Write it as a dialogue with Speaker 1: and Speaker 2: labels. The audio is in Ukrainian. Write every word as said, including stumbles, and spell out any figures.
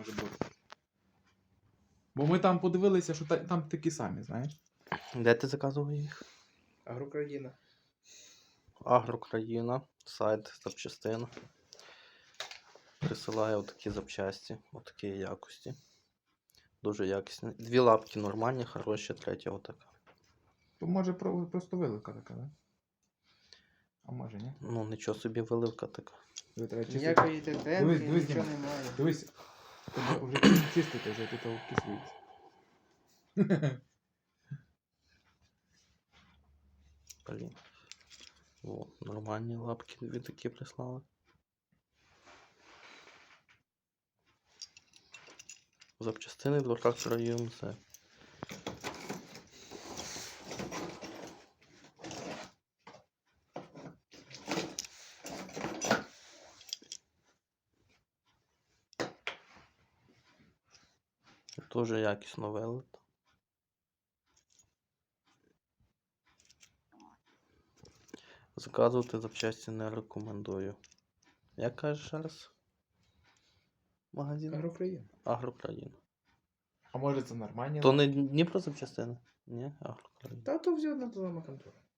Speaker 1: може бути. Бо ми там подивилися, що та- там такі самі, знаєш?
Speaker 2: Де ти заказував їх?
Speaker 1: Агрокраїна.
Speaker 2: Агрокраїна, сайт запчастин. Присилає отакі запчасті, отакі якості. Дуже якісні. Дві лапки нормальні, хороші, третя отака.
Speaker 1: То може про- просто виливка така, да? А може, ні?
Speaker 2: Ну, нічого собі виливка така.
Speaker 1: Тобі треба чистити.
Speaker 3: Ніякої
Speaker 1: Дивись,
Speaker 3: тенденції,
Speaker 1: дивись,
Speaker 3: нічого
Speaker 1: Діма.
Speaker 3: немає.
Speaker 1: Дивись, треба вже чис- чистити, вже тут окислюється.
Speaker 2: Блін. О, нормальні лапки дві такі прислали. Запчастини до трактора ю ем це. Дуже якісно вилито. Заказувати запчасті не рекомендую. Як кажеш ще раз? Магазин?
Speaker 1: Агрокраїна.
Speaker 2: Агрокраїна.
Speaker 1: А може це нормальні?
Speaker 2: То не Дніпро запчастини? Ні, Агрокраїна.
Speaker 3: Та то все одна та сама контора.